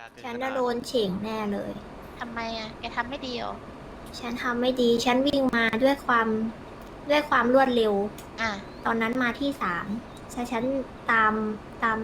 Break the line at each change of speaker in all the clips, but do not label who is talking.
ฉันจะโดนเฉ่งแน่เลย
ทำไมอ่ะ แกทำไม่ดีเหรอ
ฉันทำไม่ดี ฉันวิ่งมาด้วยความรวดเร็ว
อ่ะ
ตอนนั้นมาที่3ฉันตาม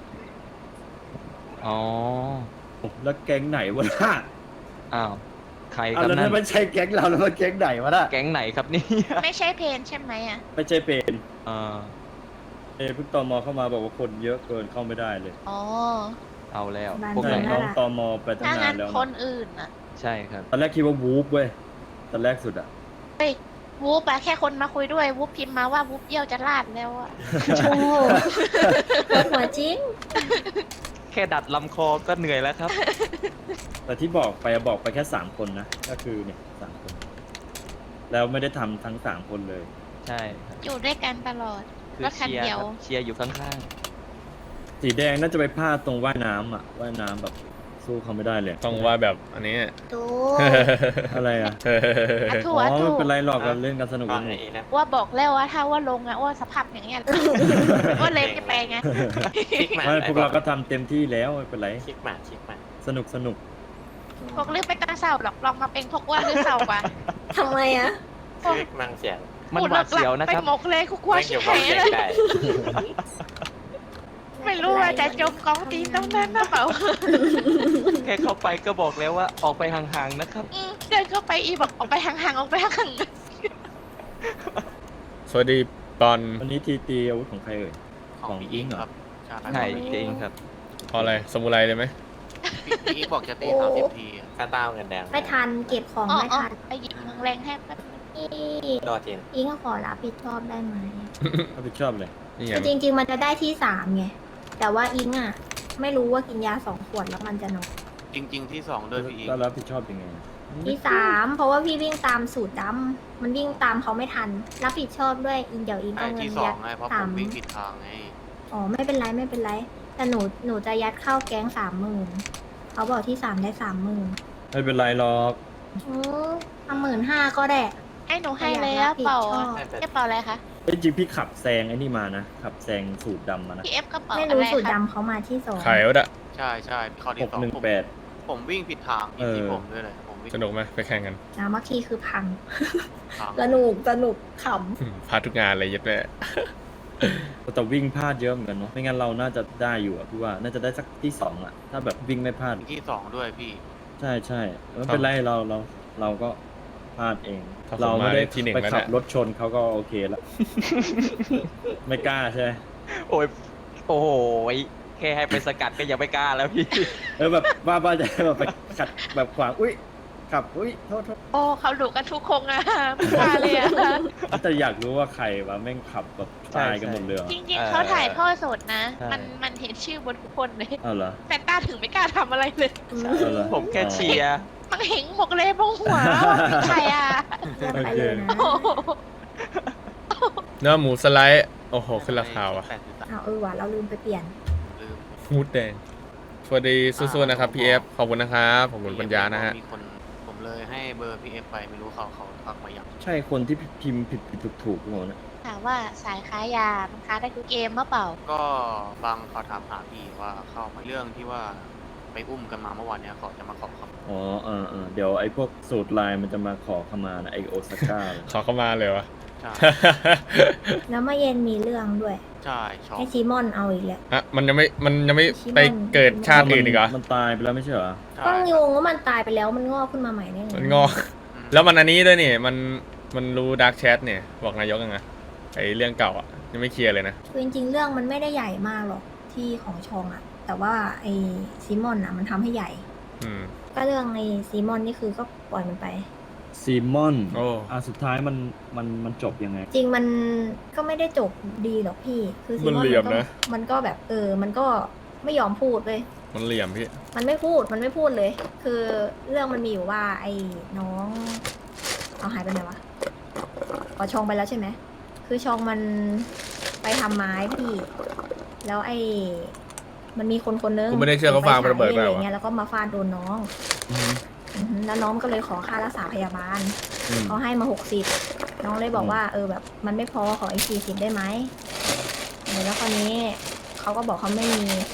อ๋อ
แล้วแก๊งไหนวะน่ะ
อ้าว ใคร
เอา
ครับ
แล้ว
นั่
นั่
น
นมันใช่แก๊งเราแล้วมันแก๊งไหนวะน่ะ
แก๊งไหนครับนี่
ไม่ใช่เพนใช่ไหมอ่ะ
ไม่ใช่เป็น
อ่า
เพิ่งตมเข้ามาบอกว่าคนเยอะเกินเข้าไม่ได้เลย
อ๋อ
เอาแล้ว
บ้าน
พวก
ใช่
ไหน
เมื
น้
อ
องตมไปตั้ง
ถ้างั้
นาน
น
แล้ว
คนอื่นอ่ะ
ใช่ครับ
ตอนแรกคิดว่าวูฟเว้ยตอนแรกสุดอะ
เฮ้ย วูบอะแค่คนมาคุยด้วย วูบพิมพ์มาว่าวูบเยี่ยวจะลาดแล้วอะ
โอ้โหปวดหัวจริง
แค่ดัดลำคอก็เหนื่อยแล้วครับ
แต่ที่บอกไปแค่3คนนะก็คือเนี่ย3คน แล้วไม่ได้ทำทั้ง3คนเลย
ใช่ครับ
อยู่ด้วยกันตลอด
คือ
รถคัน
เชียร์
เดียว
ครับเชียร์อยู่ข้าง
สีแดงน่าจะไปพลาดตรงว่ายน้ำอะว่ายน้ำแบบสู้เขาไม่ได้เลย
ต้องว่าแบบอันนี้
ดู
อะไรอะ
อะถู
อ๋
ก
อ
อะถู
ไม่
ก
เป็นไรหรอกเราเล่นกันสนุกสนุก
ว่าบอกแล้วว่าถ้าว่าลงอะว่าสภาพอย่างเงี้ย ว่าเลยไม่ไปไง
ไม่พวกเราก็ทำเต็มที่แล้วไม่เป็นไร
ชิกหมา
สนุกสนุก
พวกลือไปตาเศร้าหรอกลองมาเป็นพวกว่าลือเศร้ากว่า
ทำไมอะ
คือมังเสียง
ๆ มันหวาดเสียวนะ
ไป
ครับ
หมกเลยคุกว่า
ไม่
ชิ
เกี่
บ
ยวกับ
หาย
เสียง
เลย
ได้
ไม่รู้ว่าจะจมกองตีนตรงนั้นนะเปล่า
แค่เข้าไปก็บอกแล้วว่าออกไปห่างๆนะครับ
เดินเข้าไปอีบอกออกไปห่างๆออกไปห่าง
สวัสดีตอน
วันนี้ทีตีอาวุธของใครเอ่ย ของอิงเหรอ
ใช่จริงครับ
พออะไรสมุไรเลยไหม
พี่บอกจะตี
โอ้
30 ทีอะ
ข้าต้าเงินแดง
ไม่ทันเก็บของ
ๆอ๋อ
ไม่ทัน
ไปหยิบมึงแรงแทบแป๊บนึง
นี่
รอเทียน
อิงก็ขอรับผิดชอบได้ไหม
รับผิดชอบเลย
นี่ไง
คือจริง ๆ มันจะได้ที่3ไง แต่ว่าอิงอะไม่รู้ว่ากินยา2 ขวดแล้วมันจะนอน
จริง ๆ ที่ 2 ด้วยพี่อีก
แล้วรับผิดชอบยังไง
ที่3เพราะว่าพี่วิ่งตามสูตรดำมันวิ่งตามเขาไม่ทัน รับผิดชอบด้วยอิงเดี๋ยวอิง
ไอ้
เอาเงิน
ที่
ยัด
2ไงเพราะผ
สาม
มวิ่งผิดทางไง
อ๋อไม่เป็นไรไม่เป็นไร แต่หนูจะยัดเข้าแก๊ง30,000เขาบอกที่3ได้30,000
ไม่เป็นไรหรอก
15,000ก็ได้
ให้หนูให้เลยอะเป่า
ชอบ
แค่เป่าอะไรคะ
เอ้ยจริงพี่ขับแซงไอ้นี่มานะ ขับแซงสูตรดำมานะ
พี่เอฟกระเป๋า
ไม่
อะ
รู้
ไร
สูตร
คะ
ดำเขามาที่2
ไข่วะดะ
ใช่ใช่ข้อที่2ผมวิ่งผิดทาง
เออ
ที่ผมด้วยเลยผมวิ่ง
สนุกไหมไปแข่งกัน
นะเมื่อกี้คือพัง
ทาง
สนุกข
พาทุกงานเลยยัดแม่
แต่วิ่งพลาดเยอะเหมือนกันเนาะ ไม่งั้นเราน่าจะได้อยู่อะพี่ว่า น่าจะได้สักที่2อะถ้าแบบวิ่งไม่พลาด
ที่ 2 ด้วยพี่
ใช่ใช่ไม่เป็นไรเราก็พลาดเอง
ถ้าผม
เราไม่ได้
มาที่หนึ่ง
ไป
แล้ว
ขับ
เนี่ย
รถชนเขาก็โอเคแล้ว ไม่กล้าใช่ไหม
โอ้ย โอ้โหแค่ให้ไปสกัดก็ยังไม่กล้าแล้วพี่
แบบว่าจะแบบไปขัดแบบขวางอุ้ยขับอุ้ยโทษ
โอ้เขาดุกันทุกคงอะไม่กล้าเลยอะ
แต่อยากรู้ว่าใครวะแม่งขับแบบ
ใช่
ตายกันหมดเลยเหรอ
จริงๆเขาถ่ายทอดสดนะ
ใช่
มันเห็นชื่อบนทุกคนเลย
เอาเหรอ
แฟนต้าถึงไม่กล้าทำอะไรเลย
เอาเหรอ
ผมแค่เชียร์
มันเห็นหมกเลยบงหัวว่ามีใครอ่ะ
ำเยี่ยมไปเลยนะ
โอ้โห
เนื้อหมูสไลด์ โอ้โห ขึ้นราคาว่ะ
เอาว่ะเราลืมไปเปลี่ยน
ลืม
มูดแดง สวัสดีสู้ๆนะครับพี่เอฟขอบคุณนะครับขอบคุณปัญญานะฮะ
มีคนผมเลยให้เบอร์พี่เอฟไปไม่รู้เขาทักมายัง
ใช่คนที่พิมพ์ผิดถูกหมดนะ
ถามว่าสายค้ายา มันค้าได้ทุกเกมมะเปล่า
ก็บางเขาถามหาพี่ว่าเข้ามาเรื่องที่ว่าไปอุ้มกันมาเมื่อวานเนี้ยเขาจะมาขอคำ
อ๋อเดี๋ยวไอ้พวกสูตรลายมันจะมาขอขมานะไอโอซาก้า
ขอเข้ามาเลยวะ
ใช่
แล้วเมื่อเย็นมีเรื่องด้วย
ใช่ช็อก
ให้ซีมอนเอาอีกแล้ว
ฮะมันยังไม่
ชิมอน
ไปเกิดชาติอื่นอีกเหรอ
มันตายไปแล้วไม่ใช่เหรอ
ใช่
ก็งงว่ามันตายไปแล้วมันงอกขึ้นมาใหม่ได้ไง
มันงอก แล้วมันอันนี้ด้วยนี่ มันรู้ดาร์กแชทเนี่ยบอกนายกยังไงไอเรื่องเก่าอ่ะยังไม่เคลียร์เลยนะ
คือจริงๆเรื่องมันไม่ได้ใหญ่มากหรอกที่ของชองอะแต่ว่าไอ้ซีมอนอะมันทำให้ใหญ่
อืม
ก็เรื่องไอ้ซีมอนนี่คือก็ปล่อยมันไป
ซีมอน
โอ้
สุดท้ายมันจบยังไง
จริงมันก็ไม่ได้จบดีหรอกพี่ คือซีมอน
มันเหลี่ยมนะ
มันก็แบบมันก็ไม่ยอมพูดเลย
มันเหลี่ยมพี่
มันไม่พูดเลย คือเรื่องมันมีอยู่ว่าไอ้น้องเอาหายไปไหนวะอ๋อชองไปแล้วใช่ไหมคือชองมันไปทำไม้พี่ แล้วมันมีคนนึง
กูไม่ได้เชื่อเขาฟัง
ไป
ระเบิด
ฉาย
ไป
อะไร
เหรอ
เงี้ยแล้วก็มาฟาดโดนน้องอือหือแล้วน้องก็เลยขอค่ารักษาพยาบาล เขาให้มา60น้องเลยบอกว่าแบบมันไม่พอขออีก40ได้ไหมแล้วคราวนี้เขาก็บอกเขาไม่มี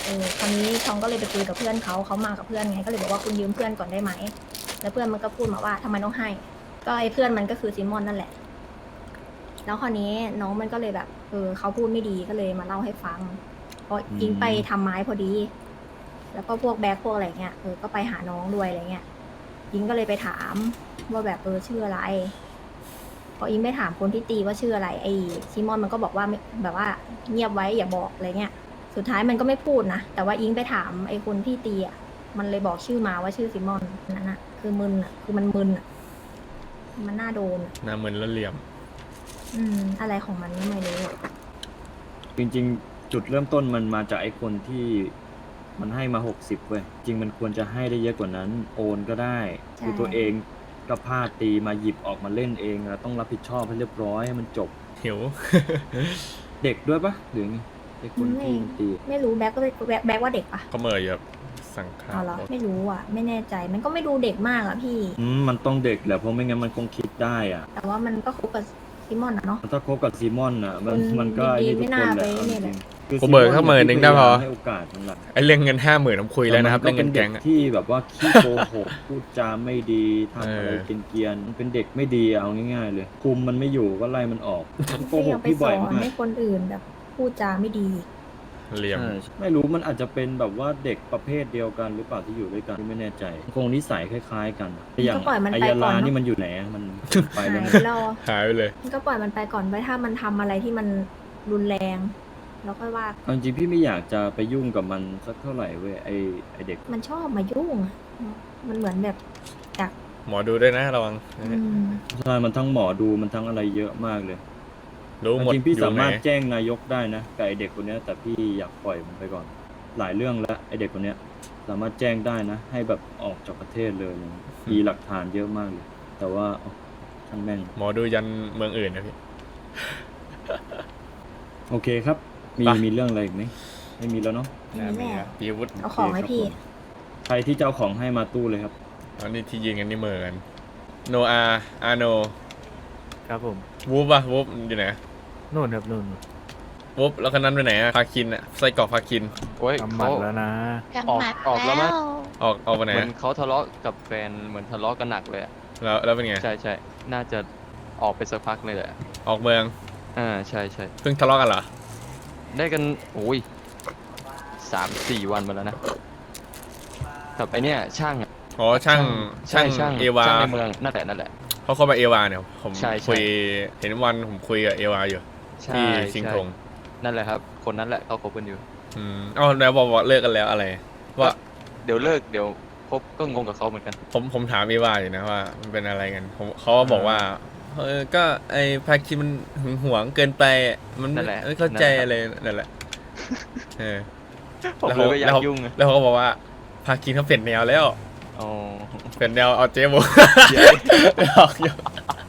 คราวนี้ชองก็เลยไปคุยกับเพื่อนเขามากับเพื่อนไงก็เลยบอกว่าคุณยืมเพื่อนก่อนได้ไหมแล้วเพื่อนมันก็พูดมาว่าทำไมต้องให้ ก็ไอ้เพื่อนมันก็คือซิมอนนั่นแหละ แล้วคราวนี้น้องมันก็เลยแบบเขาพูดไม่ดีก็เลยมาเล่าให้ฟังเพราะอิงไปทำไม้พอดี แล้วก็พวกแบกพวกอะไรเงี้ยก็ไปหาน้องด้วยอะไรเงี้ยอิงก็เลยไปถามว่าแบบชื่ออะไรพออิงไปถามคนที่ตีว่าชื่ออะไรไอ้ซิมอนมันก็บอกว่าแบบว่าเงียบไว้อย่าบอกอะไรเงี้ยสุดท้ายมันก็ไม่พูดนะแต่ว่าอิงไปถามไอ้คนที่ตีอ่ะมันเลยบอกชื่อมาว่าชื่อซิมอนนั่นน่ะคือมึนอ่ะคือมันมึนอ่ะมันน่าโดน
หน้ามึนแล้วเหลี่ยม
อะไรของมันไม่รู้อะ
จริงๆ จุดเริ่มต้นมันมาจากไอ้คนที่มันให้มา60เว้ยจริงมันควรจะให้ได้เยอะกว่านั้นโอนก็ได้คือตัวเองก็พลาดตีมาหยิบออกมาเล่นเองแล้วต้องรับผิดชอบให้เรียบร้อยให้มันจบ
หิว
เด็กด้วยปะหรือไงไอ้คนที่ตี
ไม่รู้แบ็กก็แบ็กว่าเด็กปะ
เขาเหมยแบบสังขาร
เอาเหรอไม่รู้อ่ะ ไม่แน่ใจมันก็ไม่ดูเด็กมากอ่ะพี่
มันต้องเด็กแหละเพราะไม่งั้นมันคงคิดได้อ่ะ
แต่ว่ามันก็คบกับซิมอนอะเนาะ
ถ้าคบกับซีมอนอ่ะมันก็
ดี
ไอ้
ๆ
นี่ทุกคนแหละ
ไม่น่าไปเนี่ยแหละ
คือ
กูเบิกเข้า10,000นึงได้พอ
ให้โอกาสมันละ
ไอเรื่องเงิน50,000ผมคุยแล้วนะครับ
ต่
เรื่อง
มั
เงิน
ก็
แก๊
ป็
ง
ด็
อะ
ที่แบบว่าขี้โกหก พูดจาไม่ดีทำอะไรเกรียนๆมันเป็นเด็กไม่ดีเอาง่ายๆเลย คุมมันไม่อยู่ก็ไล่มันออกโกห
ไม่
ก
เอาไป
พี่
ส
บ่
อ
อย
น
มาก
ให้คนอื่นแบบพูดจาไม่ดี
เหลี่ยม
ใช่ไม่รู้มันอาจจะเป็นแบบว่าเด็กประเภทเดียวกันหรือเปล่าที่อยู่ด้วยกันไม่แน่ใจคงนิสัยคล้ายๆกันอย่าง
ก็ปล่อยมัน
ไอ
ไป
ยา
ก่อ
ลาน
เนอะ
นี่มันอยู่ไหนอะมันไป
หา
แล้ว
ย
มั้ย
ไปแล้ว
หายไปเลย
มันก็ปล่อยมันไปก่อนไว้ถ้ามันทำอะไรที่มันรุนแรงแล้วค่อยว่า
เอาจริงๆพี่ไม่อยากจะไปยุ่งกับมันสักเท่าไหร่เว้ยไอเด็ก
มันชอบมายุ่งอะมันเหมือนแบบอยาก
หมอดูด้วยนะระวัง
ใช่มันทั้งหมอดูมันทั้งอะไรเยอะมากเลย
รู้หมด
จริงๆพี่
อยู่
สา
ไหน
มารถแจ้งนายกได้นะกับไอเด็กคนเนี้ยแต่พี่อยากปล่อยมันไปก่อน หลายเรื่องแล้วไอเด็กคนเนี้ยสามารถแจ้งได้นะ ให้แบบออกจากประเทศเลยอะไรเงี้ยมีหลักฐานเยอะมากเลย แต่ว่าช่างแม่ง
หมอดูยันเมืองอื่นนะพี่
โอเคครับ
ไป
มีเรื่องอะไรอีกไหมไม่มีแล้วเนาะ
นี่แหละ
พี่วุฒิ
เอาของให้พี่
ใครที่จะเอาของให้มาตู้เลยครับ
อันนี้ที่ยืนกันนี่เหมือนกันโนอาโน
ครับผม
วูฟอะวูฟอยู่ไหน
นู่นครับนู่น
วูฟแล้วคนนั้นไปไหนอะพาคินอะไส้กรอกพาคิน
โอ้ย
กำหมั
เขา
ดแล้วนะ
กำหมัด
ออกแล้วมั้ย
ออกไปไหน
เหมือ
อะ
นเขาทะเลาะกับแฟนเหมือนทะเลาะกันหนักเลยอะ
แล้วเป็นไง
ใช่ใช่น่าจะออกไปสักพักเลยแหละ
ออกเมือง
ใช่ใช่
เพิ่งทะเลาะกันเหรอ
ได้กันโอ้ย3-4 วันมาแล้วนะกับไอเนี้ยช่างอะ
อ๋อช่าง
ใช่ช่าง
เอวา
ช่างในเมืองนั่นแหละ
เขาเข้ามาเอวาเนี่ยผม
ใช่ใช่
คุยเห็นวันผมคุยกับเอวาอยู่
ใช่
ที่สิงห์ธง
ใช่นั่นแหละครับ คนนั้นแหละเขาคบกันอยู่
อ๋อแล้วบอกว่าเลิกกันแล้วอะไรว่า
เดี๋ยวเลิกเดี๋ยวคบก็งงกับเขาเหมือนกัน
ผมถามเอวาอยู่นะว่ามันเป็นอะไรกันเขาก็บอกว่าก็ไอ้พาคินมันหึงหวงเกินไปมัน
นั่นแหละ
ไม่เข้าใจ
นั่นแหละ
อะไรนั่นแหละเออ
ผม
แล้ว
เลยไม่อยาก
แล้ว
ยุ่งอะ
แล้วเขาก็บอกว่าพาคินเขาเปลี่ยนแนวแล้ว
อ๋อ
เปลี่ยนแนวเอาเจ๊โบ
เดี๋ยว
หลอกอยู่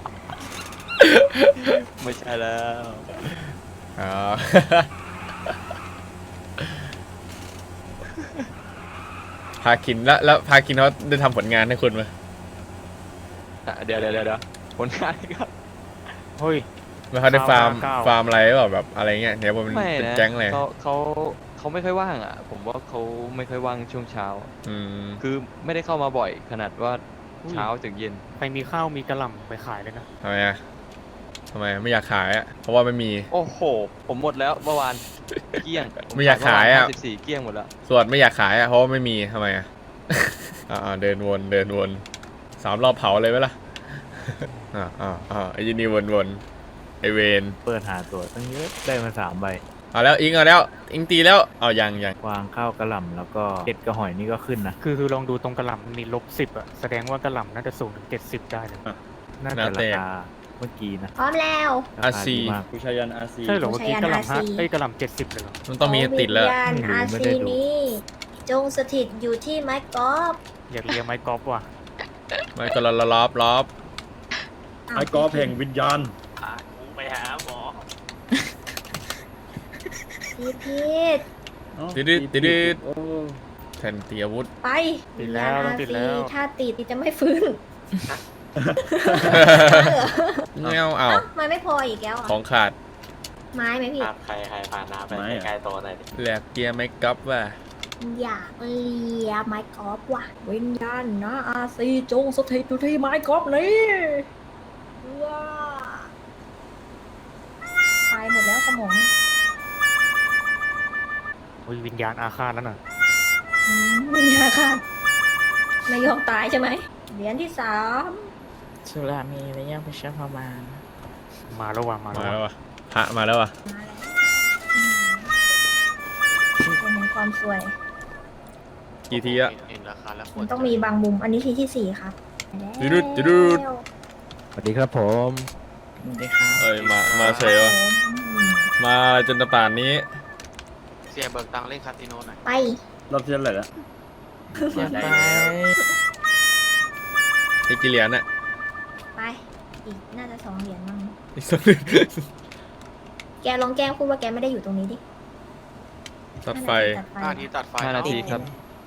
ไม่ใช่แล้ว
อ๋อ พาคินแล้วพาคินเขาได้ทำผลงานให้คุณไหม
เดี๋ยวผลงานครับ
เฮ้ย
ไม่เขาได้ฟาร์ม
9
ฟาร์มอะไรหรือเปล่าแบบอะไรเงี้ยเนี่ยว่ามัน
ไม่
เป็น
นะ
แก๊งอะไร
เขาไม่ค่อยว่างอ่ะ ผมว่าเขาไม่ค่อยว่างช่วงเช้า
อืม
คือไม่ได้เข้ามาบ่อยขนาดว่าเช้าถึงเย็น
ใครมีข้าวมีกระหล่ำไปขายเลยนะ
ทำไมอ่ะทำไมไม่อยากขายอ่ะเพราะว่าไม่มี
โอ้โห ผมหมดแล้วเมื่อวานเกลี้ยงผ
ไม่อยากขายอะ
14เกลี้ยงหมดแล้ว
ส่วนไม่อยากขายอ่ะเพราะว่าไม่มีทำไมอ่ะ เดินวน3 รอบเผาเลยไหมล่ะ ไอ้ยินดีวนไอเวน
เปิดหาตัวตั้งเยอะได้มา3 ใบ
เอาแล้วอิงเอาแล้วอิงตีแล้วเอายัง
วางข้าวกระหล่ำแล้วก็เห็ดกระหอยนี่ก็ขึ้นนะ คือลองดูตรงกระหล่ำมันมี-10อ่ะแสดงว่ากระหล่ำน่าจะสูงถึง70ได้เลยน่าจะราคาเมื่อกี้นะ
พร้อมแล้ว
ราคาดีมาก
ผู้ชายันอาซี
ใช่เหรอเมื่อกี้กระหล่ำ
ใช้
กระหล่ำ70เลยเหรอ
มันต้องมีติดแล้ว
วิญญาณ
ไม่รู้
อา
ไม่ได้
ซี
ดู
นี้ จงสถิตอยู่ที่ไม้กอล์ฟ
อยากเรียนไม้กอล์ฟว่ะ
ไม่ก็รอบ
ไอ้กอล์ฟแห่งวิญญาณ
ไปหาหมอ
พีท
ติด
โอ้
แผ่นตีอาวุธ
ไป
ติดแล้ว
วิญญาณ
ต้องติดแล้ว
ถ้าติดจะไม่ฟื้น
เงี้ยวเอา
เอ้ามันไม่พออีกแล้วอ่ะ
ของขาด
ไม้ไหมพี่
ใครพาน้าไปใกล้ๆโตะหน่อยดิ
แหลกเกียร์ไม่กลับว่ะ
อยากเลียไม้กอล์ฟว่ะวิญญาณนะอาซีจงสถิตอยู่ที่ไม้กอล์ฟนี้ว้าตายหมดแล้วสมอง
โอ้ยวิญญาณอาฆาตแล้วน่ะ
วิญญาณค่ะไม่ยอมตายใช่ไหมเหรียญที่สาม
สุรามีระยะประชาประมาณ
มาแล้วว่ะมา
มา
แล้ว
แล้ว
ว่ะ
วะพระมาแล้ววะ
มาแล้วเป็นแห่งความสวย
กี่ทีอะ
เห็นราคาแล้ว
มันต้องมีบางมุม อันนี้ทีที่สี่ครับ
จุดุดจุดุด
สวัสดีครับผม
ได้ครับ
เอ้ยมาเฉยวะมาจนตะป่านนี้
เสียเบิกตังค์เล่นคาสิโนหน่อย
ไป
รอบที่เท่าไหร่แล้ว
อยากไป
อีกกี่เหรียญอะ
ไป อีกน่าจะ2 เหรียญมั้ง
อีกสักหนึ่ง
แกลองแกล้งพูดว่าแกไม่ได้อยู่ตรงนี้ดิ
ตัดไฟ
ตัดไฟ
5 นาทีตัดไฟ
5 นาทีครับ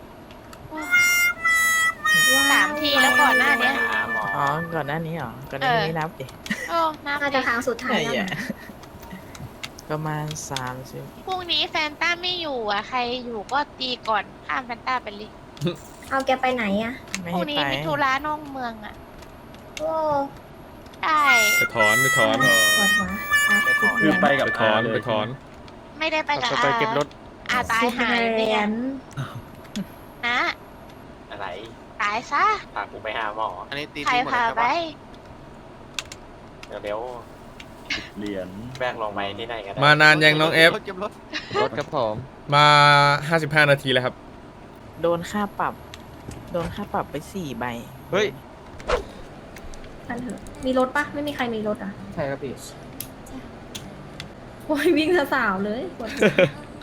3 ทีแล้วก่อนหน้าเนี้ย
อ๋อ ก่อนหน้านี้เหรอ ก่อนหน้านี้นับดิ
โอ้นับ
น่า
เล
จะ
ย
ครั้งสุดท้ายแล้ว
ไอ้เหี้ย
นะ
ประมาณ30
พรุ่งนี้แฟนต้าไม่อยู่อ่ะ ใครอยู่ก็ตีก่อนข้ามแฟนต้าไปเลย
เอาแกไปไหนอะ
ไม่
พรุ่
ให้
งนี้
ไป
มิถุระนอกเมืองอ่ะ
โอ้
ได้
ไปถอนไปถอน
ปวดหัวไป
คือไปกับ
ไปถอน
เลย
ไปถอน
ไม่ได้ไปกับ
จะไปเก็บรถ
อาตายหาย
เห
เล
รี
ย
ย
อะ
ญ
นะ
อะไร
ตายซะ
พากูไปหาหมอ
อันนี้ตี
ใคร
ทิ้งหมด
พา
แล้ว
ไป
ใช่ปะ
เร็ว
เหรียญ
ๆแบกลงไปที่ไหนก็ได้
มานานยังน้องเอฟ
เก็บรถ
รถครับผม
มา 55 นาทีแล้วครับ
โดนค่าปรับ โดนค่าปรับไป4 ใบ
เฮ้ย
ท่านเถอะมีรถปะไม่มีใครมีรถอ่ะ
ใช่ครับพี่
โอ้ยวิ่งสาวๆเลยปวดหัว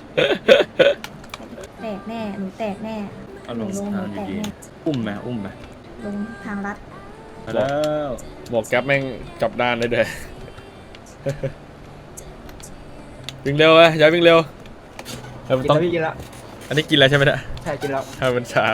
แตกแน่ หนูแตกแน่
เอา
ห
ล
นู
ง
ลงห
ทา
นู
ง
แตก
ดี
แน่
ๆอุ้มไหมอุ้มไหม
ลงทางลัด
ไปแล้ว
บอกแก๊ปแม่งกลับด้านเลยเด้อ วิ่งเร็วอะอย่าวิ่งเร็วต้อง
กินแล้ว
อันนี้กินแล้วใช่ไหมเนี่ย
ใช่กินแล้ว
ให้มันช้า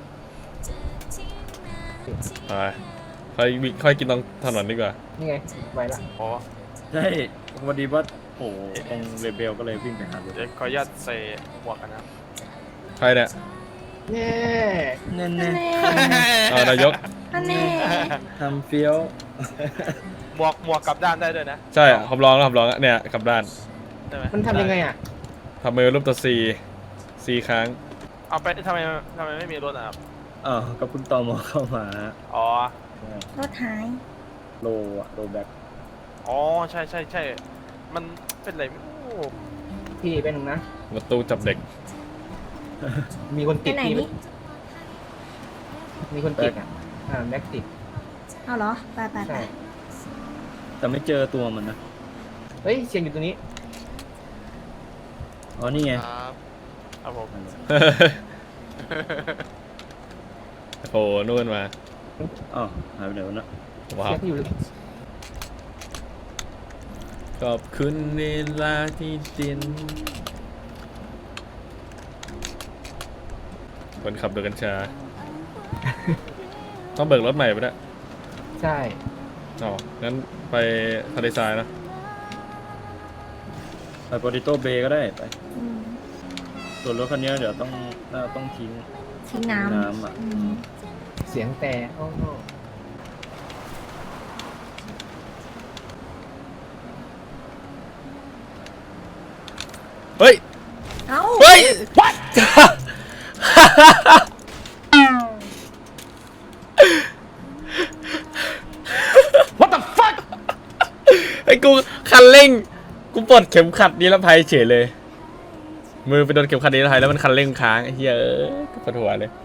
ไปค่อยกินตรงถนนดีกว่า
นี่ไงไวละ
อ๋อ
ใช่พอดีว่าโอ้ตรงเรเบลก็เลยวิ่งไปหารถ
เดี๋ยวขออนุญาตใส่หมวกกันนะ
ใครเนี่ย
เน่
แน่
แน่
เอานายก
แน่
ๆทำเฟี้ยว
หมวกกลับด้านได้ด้วยนะ
ใช่อะผมลองแล้วเนี่ยกลับด้าน
ใช่ไหม
มันทำยังไงอ่ะ
ทำมือรูปตัว C ครั้ง
เอาไปทำไมไม่มีรถอ่ะครับ
อ้าวก็คุณตอมอเข้ามา
อ๋อ
รถหาย
โลอะโลแบ็ค
อ๋อ ใช่ มันเป็นไรไม่รู้
พี่เป็นนะ
ประตูจับเด็ก
มีคน
ไป
ติด
ไหน
พี่
นี่
มีคนติดอ่ะ แม็กติด
เอาเหรอ ไปไปไป
ใช่
แต่ไม่เจอตัวมันนะ
เฮ้ย เสียงอยู่ตรงนี้
อ๋อนี่ไง
ครับผม
โอ้โหนู่นมา
อ๋อหายไปไหนวะนะ
ว้าว
เสียงที่อยู่
ขอบคุณเวลาที่ดินคนขับโดยกัญชา ต้องเบิกรถใหม่ปะเนี่ย
ใช่
อ๋องั้นไปทะเลทรายนะ
ไปโปรติโต้เบย์ก็ได้ไป
อืม
ส่วนรถคันนี้เดี๋ยวต้องทิ้ง
ทิ้ง
น้ำ
น้ำ
อะ
อืม
เสียงแต่โอ้โห
เฮ้ย
เอ้า
เฮ้ย what ไอ้กูคันเร่ง กูปลดเข็มขัดนิรภัยเฉยเลย มือไปโดนเข็มขัดนิรภัยแล้วมันคันเร่งค้างไอ้เหี้ยกูปวดหัวเลย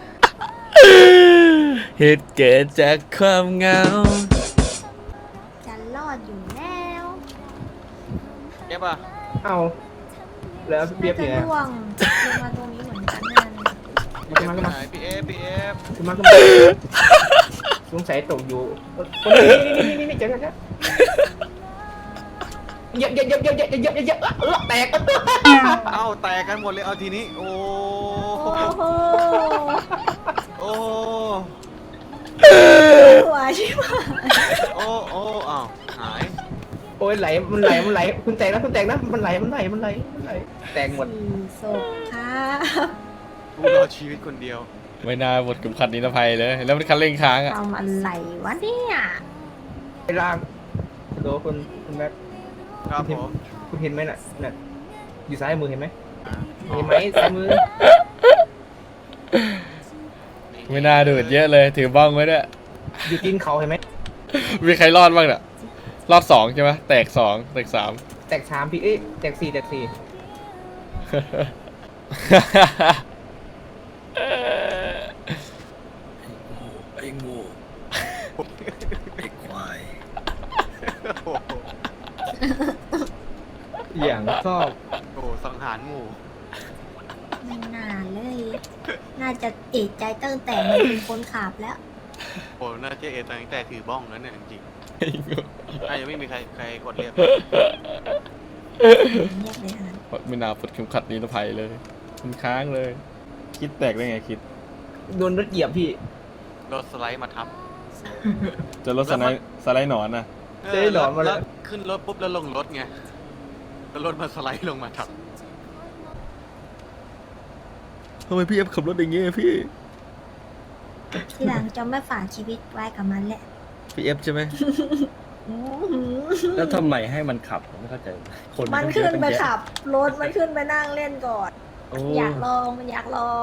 เหตุเกิดจากความเหงา
จะรอดอยู่แล้ว
เอฟอ่ะ
เอาแล้วเบียบ
จะ
เนี่ย
ล่วงลงมาตรงนี้เหมือนกันนั่น
ขึ้นมาขึ้นมา
พี่เอฟ
ขึ้นมาขึ้นมาสงสัยตกอยู่คนนี่เจอกันเยอะแตก
เอ้าแตกกันหมดเลยเอาทีนี้ โอ้
โอ้โห
โอ้
หัวชิบหาย
โอ้อ้าวหาย
โอ้ยไหลมันไหลคุณแตกนะมันไหลแตกหมด
ศพครับ
ผู้รอดชีวิตคนเดียว
ไม่น่าหมดเข็มขัดนิรภัยเลย แล้วมันคันเร่งค้างอ่ะ
ทำอะไรวะเนี่ย
ไอ้ล่างโดคุณแม็ก
ครับผม
คุณเห็นไหมน่ะอยู่ซ้ายมือเห็นไหมเห็นไหมซ้ายมือ
ไม่น่าดูดเยอะเลยถือบ้องไว้ด้วย
อยู่ตีนเขาเห็นไหม
มีใครรอดบ้างเนี่ยรอด2ใช่ไหมแตก2แตก3
แตกสามพี่เอ้ยแตกสี่แตกสี่
ไอ้งูไอ้ควาย
โอ้โห
อย่างชอบ
โอ้โหสังหารหมู่
ไม่น่าเลย น่าจะเอกใจตั้งแต่มันเป็นคนขับแล้ว
โอ้น่าจะเอตั้งแต่ถือบ้องแล้วเนี่ยจริงๆน่าจะไม่มีใครกดเรียก
เรียกเลยฮะ
ไม่น่าปลดเข็มขัดนิรภัยเลยมันค้างเลย คิดแตกได้ไงคิด
โดนรถเหยียบพี่
รถสไลด์มาทับ
จะลดสไลด์หนอนนะ
เจ๊หลอนมาแล้ว
ขึ้นรถปุ๊บแล้วลงรถไงแล้วรถมาสไลด์ลงมาทับ
ทำไมพี่เอฟขับรถอย่างเงี้ยพี่
ทีหลังจะไม่ฝากชีวิตไว้กับมันแหละ
พี่เอฟใช่ไหม
อื้อหือ
แล้วทำไมให้มันขับผมไม่เข้าใจคน
มันขึ้นไปขับรถมันขึ้นไปนั่งเล่นก่อน
โอ้
อยากลองมันอยากลอง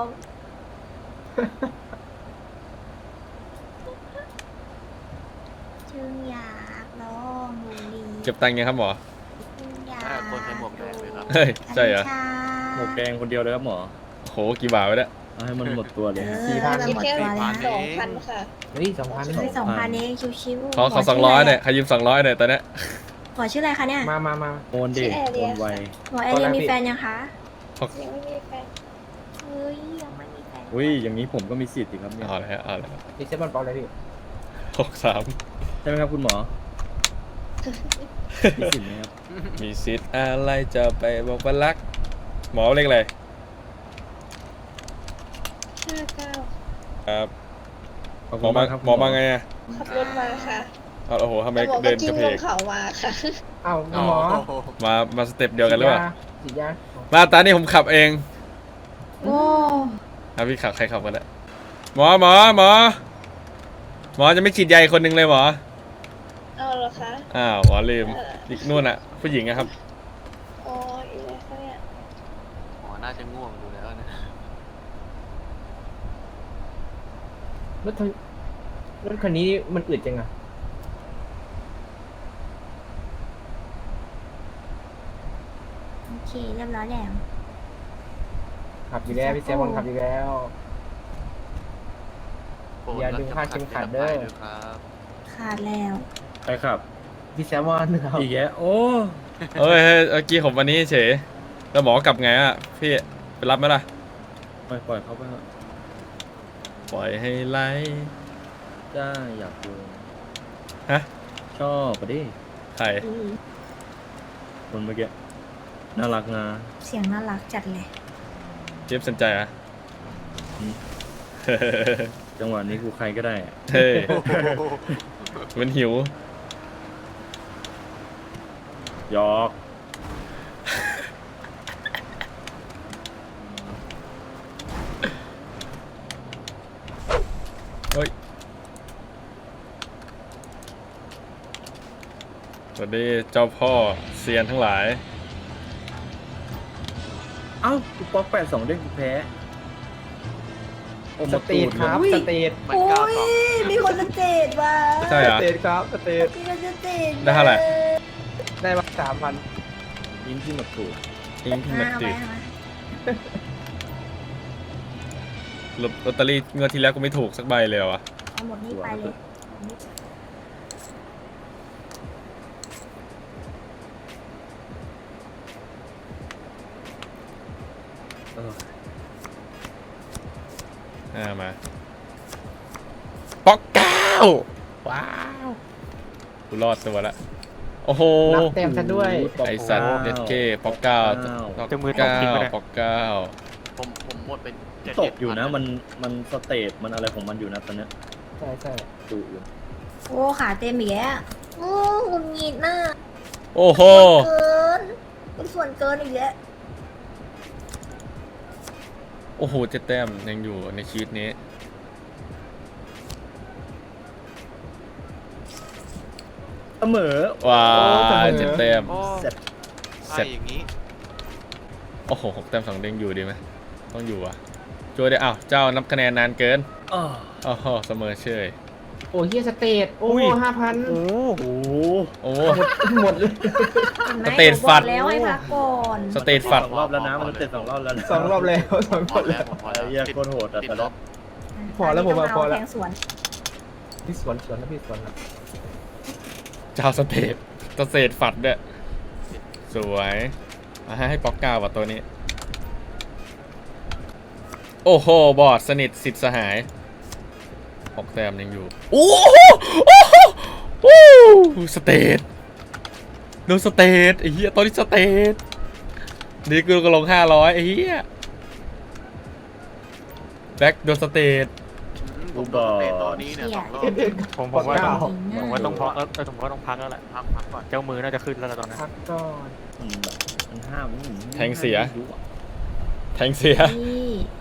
จึงอยากลองดูดี
เก็บตังค์ยังครับหมอ
จึงอยาก
คนใส่หมวกแดงเลยครับ
เฮ้ยใช่เหรอ
กัญชา
หมวกแดงคนเดียวเลยครับหมอ
โหกี่บาทวะเนี่ย
เอาให้มันหมดตัวเลย
เออ
4,000
มันหมดตัวแล้ว
2,000 ค่ะ
เฮ้ย2,000
เฮ้ย2,000เองชิวๆ
ขอ
หม
200เนี่ยใครยืม200เนี่ยตอนเนี้ย
หมอชื่ออะไรคะเนี่ย
มา
โอนดิโอนไว
หมอเอเรียมีแฟนยังคะ
ยังไม่มีแฟน
เฮ้ยยังไม่มีแฟน
อุ้ยอย่างนี้ผมก็มีสิทธิ์สิครับเนี่ย
เอาเลยเอาเลย
ดิเซบอลเปล่าเลยพี่
63
ใช่ไหมครับคุณหมอ มีสิทธิ์ไหมครับ
มีสิทธิ์อะไรจะไปบอกว่ารัก หมอเรียกอะไร
59
ครับ
ขอบ
หม
คุ
อ
ณ
มา
มากครับ
หมอมาไงอะ
ขับรถมาค่ะ
เอาโอ้โหทำไม
แต่บอก
เดิ
ว่าน กิ้
ก
ง
ระเพ
ล
ก
งเขามาค่ะ
เอ้า
อ๋อ
หมอ
มาสเต็ปเดียวกันหรือเปล่า
ฉีดยา
มาตานี่ผมขับเอง
โอ้
เอาพี่ขับใครขับกันแหละหมอจะไม่ฉีดยาอีกคนนึงเลยหมอ
เอาเหรอคะ
อ้าวหมอลืมอีกนู่นอะผู้หญิงอะครับ
อ๋ออีอะไรคะเนี่ย
หมอน่าจะง่วงดูแล้วนะ
รถคันนี้มันอึดจังอะ
โอเคเรียบร้อยแล้ว
ขับอยู่แล้วพี่เซบอลขับอยู่แล้ว อย่าดึงคาดเข็มขัดเด้อ
ด้วยครับ
ขาดแล้ว
ใครขับ
พี่แซมอนครับ
อีกแยะโอ้
เฮ้ยเมื่อกี้ผมวันนี้เฉยแล้วหมอกลับไงอะพี่ไปรับไหมล่ะ
ปล่อยเขาไปเถอะ
ปล่อยให้ไหล
จ้าอยากดู
ฮะ
ชอบปะดิ
ใคร
คนเมื่อกี้น่ารักนะ
เสียงน่ารักจัดเลย
เจี๊ยบสนใจอะ
จังหวะนี้กูใครก็ได้อะ
เฮ้ยมันหิว
หยอก
เฮ้ยสวัสดีเจ้าพ่อเซียนทั้งหลาย
เอ้ากูป๊อก82เด้งกูแพ้โอ้
ส
มา
เต
ตู
ท
ด
ค
เลย
รับสเตท
มัน
โอ้
ก้าวย สอง
มีคนสเตจว่ะ
ใช่
ส
เหรอ
เตทครับสเตท
มีคนสเตจ
ได้เท่าไหร่
ได้มา3,000
ยิงที่มาตูด
อิงที่มัน
เอา
ติ
ไว้
ด
เอาไว้
ลอตเตอรี่งวดที่แล้วก็ไม่ถูกสักใบเลยเหรอวะ
เอาหมดนี่ไปเลย
เออ
มาป๊อกเก้าว้าวกูรอดตัวละโอ้โห
นับแต้มซะด้วย
ไอสัตว์เด็ดเก้ป๊อกเก้าป๊อก
จะมือตก
เก้า
จริงปะเนี่ย
ป๊อกเก้า
ผมหมดเป็น
ตกอยู่นะมันสเตทมันอะไรของมันอยู่นะตอนเนี้ย
ใช่ใช่
ดูอยู่
โอ้ขาเต็มอีกแล้วโอ้หงุดหงิดน่ะ
โอ้โห
เกินเป็นส่วนเกินอีกแล้ว
โอ้โห7 แต้มยังอยู่ในชีวิตนี้
เสมอ
ว้า
เสมอ
7 แต้ม
โอ้
เสร็จ
เสร็จ
อย่างนี้
โอ้โห6 แต้ม2 เด้งอยู่ดีไหมต้องอยู่อ่ะช่วยได้อ้าวเจ้านับคะแนนนานเกิน
อ้อ
โอ้โหเสมอเชย
โอ้เฮียสเตทโอ้
อุ้ย
5,000
โอ้โห
โอ้
หมดเลย
เห็นไหม
สเตท
หนูบ
ฟั
อ
ด
กแล้วให้พักก่อน
สเตทฟัด
สองรอบแล้วนะมันเตะ2 รอบแล้วนะ
สองรอบแล้วสองร
พ
อ
อบ แล้
แล้ว ว
ผมพอ
ไอ้
แล้ว
เหี้ยโคตรโหดอะ
ติด
แต่
ล
ละ
บ
พอแล้วผมว่าพอแล้ว
แทงสวน
พี่สวนนะพี่สวนนะ
เจ้าสเตทฟัดด้วยสวยให้ป๊อกก้าว่ะตัวนี้โอ้โหบอดสนิทสิทธิ์สหาย6 แต้มยังอยู่โอ้โหโอ้โหโอ้โหสเตทโดนสเตทไอ้เหี้ยตอนนี้สเตทนี่กูก็ลง500ไอ้เหี้ยแบ็คโดนสเตท
ผมโดนเตะตัวนี้เนี่ย2 รอบ
ผมว่าต้อง
9
ผมว่าต้องพักผมว่าต้องพักแล้วแหละ
พักก่อน
เจ้ามือน่าจะขึ้นแล้วล่ะตอนนั้น
พักก่อน
มันห้าม
แทงเสีย แทงเสีย
นี่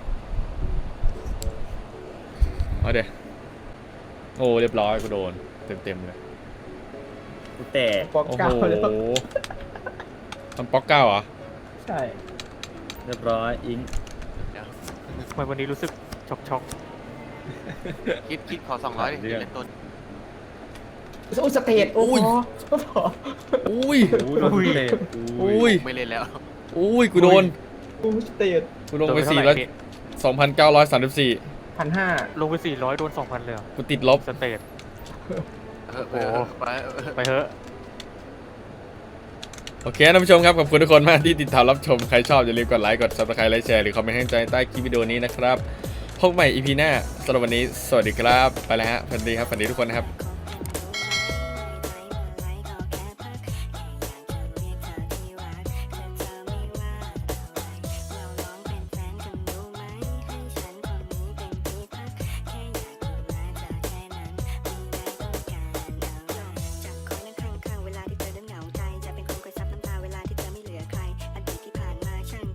เอาเดี๋ยวโอ้เรียบร้อยกูโดนเต็มเลย
กูแตก
ปอก
โอ้
เก้า
โห
แล้ว
มันป๊อกเก้าเหรอ
ใช่
เรียบร้อยอิง
ทำไมวันนี้รู้สึกช็อก
คิดขอ200ดิเล่นต้น
โอ้สเตทโอ้โห
อุ้ย
โอ้โดนเตะ
อุ้ย
ไม่เล่นแล้ว
อุ้ยกูโดน
โอ้สเตท
กูลงไป
โดนไปเท่าไหร่พี่
2,934
1,500
ลงไป400โดน 2,000เลยเหรอ
กูติดลบ
สเตท
โอ้ไป
ไปเถอะ
โอเคท่านผู้ชมครับขอบคุณทุกคนมากที่ติดตามรับชมใครชอบอย่าลืมกดไลค์กด subscribe ไลค์แชร์หรือคอมเมนต์ให้กำลังใจใต้คลิปวิดีโอนี้นะครับพบใหม่ EP หน้าสำหรับวันนี้สวัสดีครับไปแล้วฮะฝันดีครับฝันดีทุกคนนะครับ